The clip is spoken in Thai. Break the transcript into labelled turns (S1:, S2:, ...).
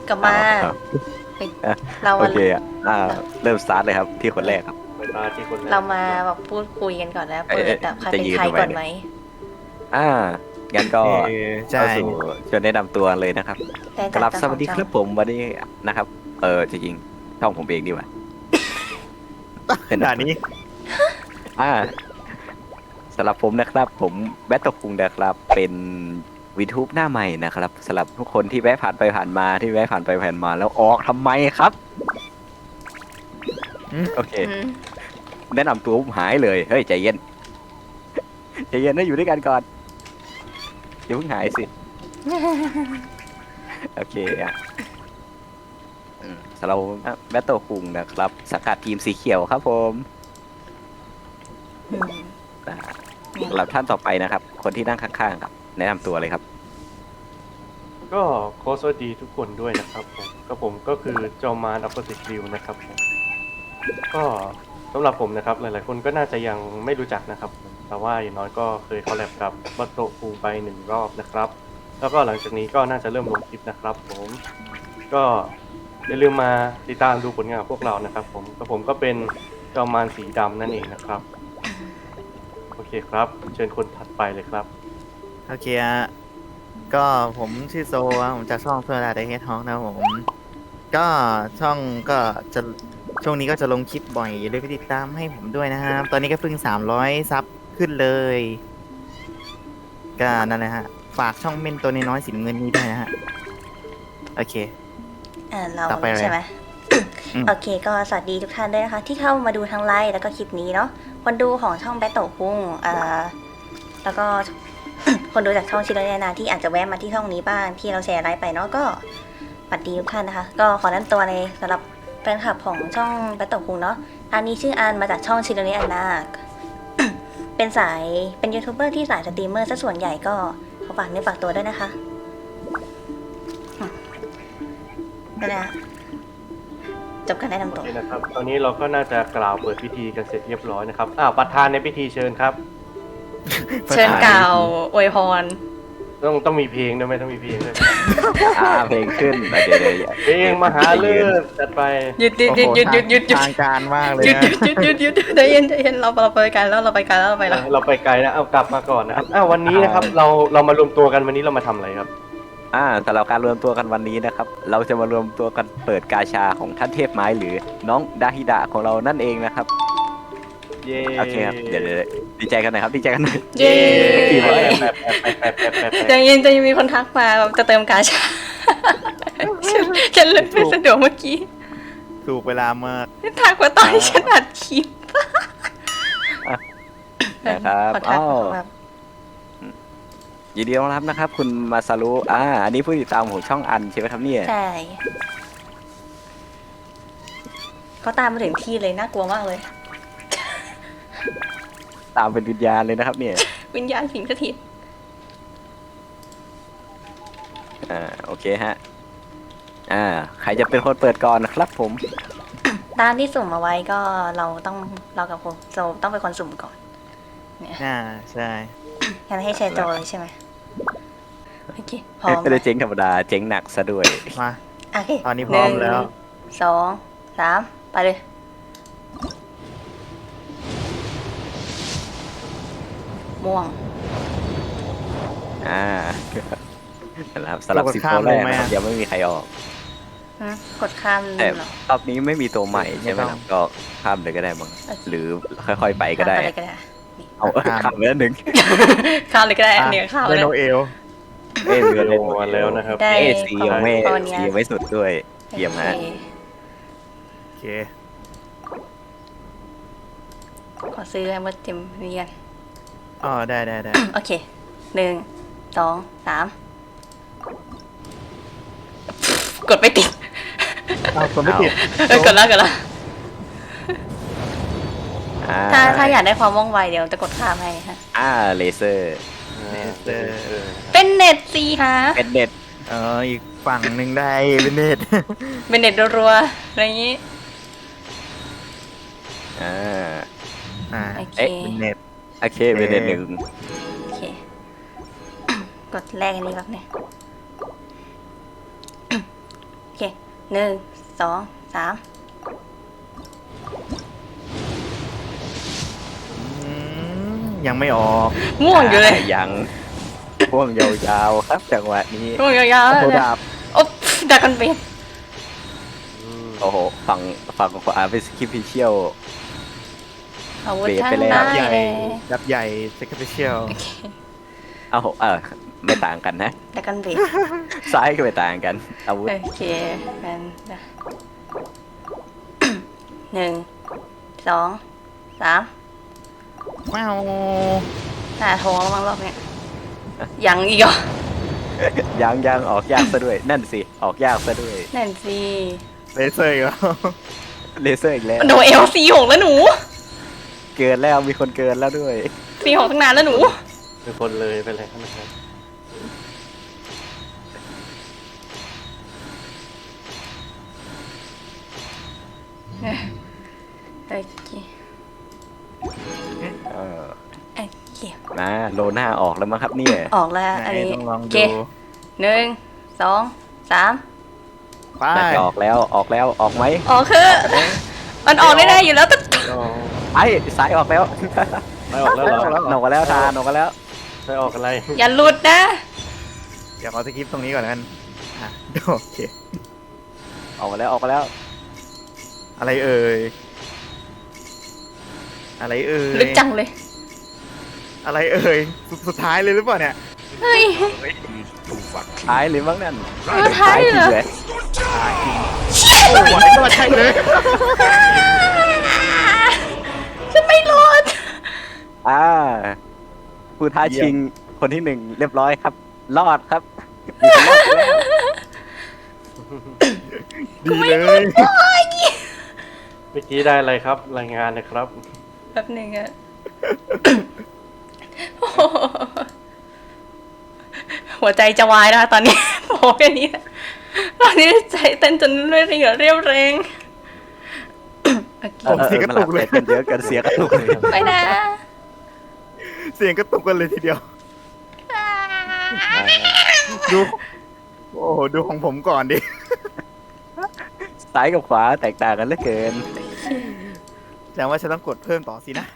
S1: กลับมา
S2: ครับ
S1: ไปเรา
S2: โอเคเริ่มสตาร์ทเลยครับที่คนแรกครับ
S3: เวลาที่คนแรก
S1: เรามาแบบพูดคุยกันก่อนแล้ว
S2: เอ๊ะ
S1: เปิดแบบใครเป็น
S2: จะยืน
S1: ใคร
S2: ทำไม
S1: ก่อน
S2: เนี่ย
S1: ไหม
S2: อ่างั้นก็
S4: ใช่
S2: เข้าสู่ชวนแนะนำตัวเลยนะครับ
S1: ได้
S2: ก
S1: จาก
S2: รับ
S1: เจ้า
S2: ส
S1: ขอ
S2: วัส
S1: ง
S2: ดี
S1: ช่อง
S2: ครับผมวันนี้นะครับ จริงๆช่องผมเองดีกว่า
S4: ด่านนี้
S2: อ่าสำหรับผมนะครับผมแบทตคุงนะครับเป็นวีทูบหน้าใหม่นะครับสำหรับทุกคนที่แวะผ่านไปผ่านมาที่แวะผ่านไปผ่านมาแล้วออกทำไมครับ โอเค
S1: อืม
S2: แนะนำตัวผมหายเลยเฮ้ยใจเย็นใจเย็นนะอยู่ด้วยกันก่อนอย่าเพิ่งหายสิ โอเคสำหรับแบทเทิลคุงนะครับสังกัดทีมสีเขียวครับผม
S1: อืม
S2: อ่าสำหรับท่านต่อไปนะครับ คนที่นั่งข้างๆครับ แนะนำตัวเลยครับ
S3: ก็ขอสวัสดีทุกคนด้วยนะครับผมก็คือจอมมานอัปเปอร์ติริวนะครับผมก็สำหรับผมนะครับหลายๆคนก็น่าจะยังไม่รู้จักนะครับผมแต่ว่าอย่างน้อยก็เคยคอลแลบกับบัตโตคูไป1 รอบนะครับ แล้วก็หลังจากนี้ก็น่าจะเริ่มลงคลิปนะครับผมก็อย่าลืมมาติดตามดูผลงานของพวกเรานะครับผมก็เป็นจอมมารสีดำนั่นเองนะครับโอเคครับเชิญคนถัดไปเลยครับ
S4: โอเคฮะก็ผมชื่อโซครับผมจากช่องเพื่อนดาไดเฮดฮอกนะครับผม ก็ช่องก็จะช่วงนี้ก็จะลงคลิปบ่อยอย่าลืมไปติดตามให้ผมด้วยนะครับ ตอนนี้ก็เพิ่ง300ซับขึ้นเลย ก็นั่นแหละฮะ ฝากช่องเม่นตัวน้อยๆสีน้ำเงินนี้ด้วยนะฮะ โอเค
S1: เรา
S4: ต่อไปเลย
S1: ใช่ไหม
S4: อืม
S1: โอเคก็สวัสดีทุกท่านด้วยนะคะ ที่เข้ามาดูทั้งไลฟ์แล้วก็คลิปนี้เนาะคนดูของช่องแบทโตคุงแล้วก็ คนดูจากช่องชิโรเนนาที่อาจจะแวะมาที่ช่องนี้บ้างที่เราแชร์ไลฟ์ไปเนาะก็สวัสดีทุกท่านนะคะ ก็ขอแนะนำตัวในสำหรับแฟนคลับของช่องแบทโตคุงเนาะอันนี้ชื่ออันมาจากช่องชิโรเนนา เป็นสายเป็นยูทูบเบอร์ที่สายสตรีมเมอร์ซะส่วนใหญ่ก็ขอฝากเนื้อฝากตัวด้วยนะคะนั่นแหละจบการแนะนำ
S3: โอ
S1: ตัว
S3: เคนะครับ ตอนนี้เราก็น่าจะกล่าวเปิดพิธีกันเสร็จเรียบร้อยนะครับประธานในพิธีเชิญครับ
S1: เชิญกล่าวอวยพร
S3: ต้องมีเพลงด้วยไหมต้องมีเพลงด้วยไหม
S2: เพลงขึ้นเดี๋ยว
S3: เพลงมหาเลิกษ์จัดไป
S1: หยุดหยุด
S4: โอ้
S1: หยุด
S4: โ
S1: หยุดหยุดหยุดหยุด
S4: ทางการมากเลย
S1: หยุด
S4: นะ
S1: หยุดหยุดหยุดหยุดใจเย็นใจเย็นเราไปไกลแล้วเราไปไกลแล้วเราไปแล้ว
S3: เราไปไกลนะเอากลับมาก่อนนะครับวันนี้นะครับเรามารวมตัวกันวันนี้เรามาทำอะไรครับ
S2: สำหรับการรวมตัวกันวันนี้นะครับ เราจะมารวมตัวกันเปิดกาชาของท่านเทพไม้หรือน้องดาฮิดะของเรานั่นเองนะครับ
S3: เย้
S2: โอเคครับเดี๋ยวดีใจกันหน่อยครับดีใจกันหน่อย
S1: เย้
S2: กี่ร้อย
S1: ใจเย็นใจเย็นมีคนทักมาแบบจะเติมกาชาฉันเลยไม่สะดวกเมื่อกี้
S4: ถูกเวลามาก
S1: ทักมาตอนที่ฉันอัดคลิป
S2: นะครับ
S1: ขอทักแบบ
S2: ยินดีต้อนรับนะครับ คุณมาซารุอันนี้ผู้ติดตามของช่องอันใช่ไหมครับเนี่ย
S1: ใช่เขาตามมาถึงที่เลยน่ากลัวมากเลย
S2: ตามเป็นวิญญาณเลยนะครับเนี่ย
S1: วิญญาณสิงสถิต
S2: โอเคฮะใครจะเป็นคนเปิดก่อนนะครับผม
S1: ตามที่สุ่มเอาไว้ก็เรากับคุณโจต้องเป็นคนสุ่มก่อนเนี่ย
S4: ใช่
S1: งั้นให้แชร์โจเลยใช่ไหมโอเคพร้อม
S2: ไม่ได้เจ๊งธรรมดาเจ๊งหนักซะด้วย
S4: มา
S1: โอเค
S4: ตอนนี้พร้อมแล้ว
S1: 1 2 3ไปเลยม่วง
S2: นะครับสำหรับ
S4: กด
S2: สิบ
S4: ข้า
S2: โฟ
S4: ม
S2: แรก
S4: เลยไหม
S2: นะครับ
S4: อะ
S2: ยังไม่มีใครออก
S1: กดข้าม
S2: แต่
S1: เหรอ
S2: รอบนี้ไม่มีตัวใหม่ใช่ไหม
S4: ไม่
S2: ค
S4: ต้
S2: รั
S4: อบ ง
S2: ก็ข้ามเลยก็ได้มั้ง
S1: โอเค
S2: หรือค่อยๆไปก็ได้
S1: ข้ามเลยก็ได้
S2: เอา ข้ามไปแล้วหนึ่ง
S1: ข้ามเลยก็ได้เนี่ยข้าม
S4: เร
S1: เลย
S4: โนเอล
S2: เอ้ยเรือ
S3: เร็
S2: เล่น
S3: วมาแล้วนะครับ
S1: ได้
S2: สียังไม่
S1: ตอนเนี้ย
S2: สียังไม่สุดด้วยเยี่ยมฮะ
S4: โอเค
S1: ขอซื้อให้มดเต็มเรียน
S4: อ๋อได้ได้
S1: โอเค1 2 3กดไม่ติด
S4: เอาคนไม่ติด
S1: กดแล้ว
S2: อ่า
S1: ถ้าอยากได้ความว่องไวเดี๋ยวจะกดข้ามให้ฮะ
S2: เลเซอร์
S1: เป็นเน็ตสิฮะ
S2: เป็นเด็ด
S4: อีกฝั่งหนึ่งได้เป็นเน็ต
S1: เป็นเน็ตรัวๆอะไรอย่างนี้
S2: อ่า
S1: โอเค
S4: เป็นเน็ต
S2: โอเคเป็นเด็ดหนึ่ง
S1: โอเค กดแรกอันนี้แป๊บนึงเคหนึ่งสองสาม
S4: ยังไม่ออก
S1: ง่วงอยู่เลย
S2: ยังพ่วงยาวๆครับจังหวะนี้
S1: ง่วงยาวๆ
S2: โอ้
S1: เลย
S2: ดาบ
S1: โอ๊บดากันเบน
S2: โอ้โหฝั่งขวาเป็นสกิปพิเชียล
S1: อาวุธ
S2: เบรก
S1: ทั้ง
S2: ไปแล้ว
S1: นั้
S4: ดั
S1: น
S4: บใหญ่
S1: เลย
S4: ดับใหญ่เซ็กซ์เชียล
S1: โอเค
S2: เอาไม่ต่างกันนะ
S1: ดากันเบน
S2: ซ้ายก็ไม่ต่างกันอาวุธ
S1: โอเคกันนะหนึ่งสองสาม
S4: ว้าว
S1: หน้าท้องแล้วมั้งรอบเนี้ยยังอีกเหรอ
S2: ยังออกยากซะด้วย นั่นสิออกยากซะด้วย
S1: นั่นสิ
S4: เลเซอร์อีกแล้ว
S2: เลเซอร์อีกแล้ว
S1: โดนเอลซีหกแล้วหนู
S2: เกินแล้วมีคนเกินแล้วด้วย
S1: ซีหกตั้งนานแล้วหนู
S3: เป็นคนเลยไปเลยนะครับ
S1: โอเค
S2: เออ
S1: โอเค
S2: มาโลหน้าออกแล้วมั้งครับเนี่ย
S1: ออกแล้วอัน
S4: ไหน
S1: นี้
S4: ต้องลอง
S1: โอเค
S4: ดู
S1: หนึ่งสองสาม
S4: ไป
S2: น่าจะออกแล้วออกไหม
S1: ออกคือมันออกได้อยู่แล้วแต่
S3: อ๋อ
S2: ไอ้สายออกแล้ว
S3: ไม่ออกแล้วเหรอ
S2: ออกมาแล้วทานออกมาแล้ว
S3: ไม่ออกอะไร
S1: อย่าหลุดนะ
S4: เดี๋ยวขอสกิปตรงนี้ก่อนแล้วกันอ่ะโอเค
S2: ออกมาแล้ว
S4: อะไรเอ่ย อะไรเอ่ย
S1: ลึกจังเลย
S4: อะไรเอ่ย สุดท้ายเลยหรือเปล่าเนี่ย
S1: เฮ้ย
S2: ท้ายหรือมั้งนั่น
S1: ท้ายเหรอ
S2: เลย
S4: โอ้โหก็ใช่เลย
S1: ฉันไม่รอด
S2: ผู้ท้าชิงคนที่หนึ่งเรียบร้อยครับ รอดครับมีคนรอดแล้ว
S4: ดีเลย
S3: เมื่อกี้ได้อะไรครับ รายงานนะครับ
S1: แป๊บหนึ่งอะหัวใจจะวายนะคะตอนนี้ โอ้ยนี้ตอนนี้ใจเต้นจนเรียวแรงโอเค
S4: เสียงกระตุกเลย
S2: มันหบเต้นกันเยอะเกินเสียงกระตุกเลย
S1: ไปนะ
S4: เสียงกระตุกกันเลยทีเดียว ดู โอ้โห ดูของผมก่อนดิ
S2: ซ้ายกับขวาแตกต่างกันเหลือเกิน
S4: แสดงว่าฉันต้องกดเพิ่มต่อสินะ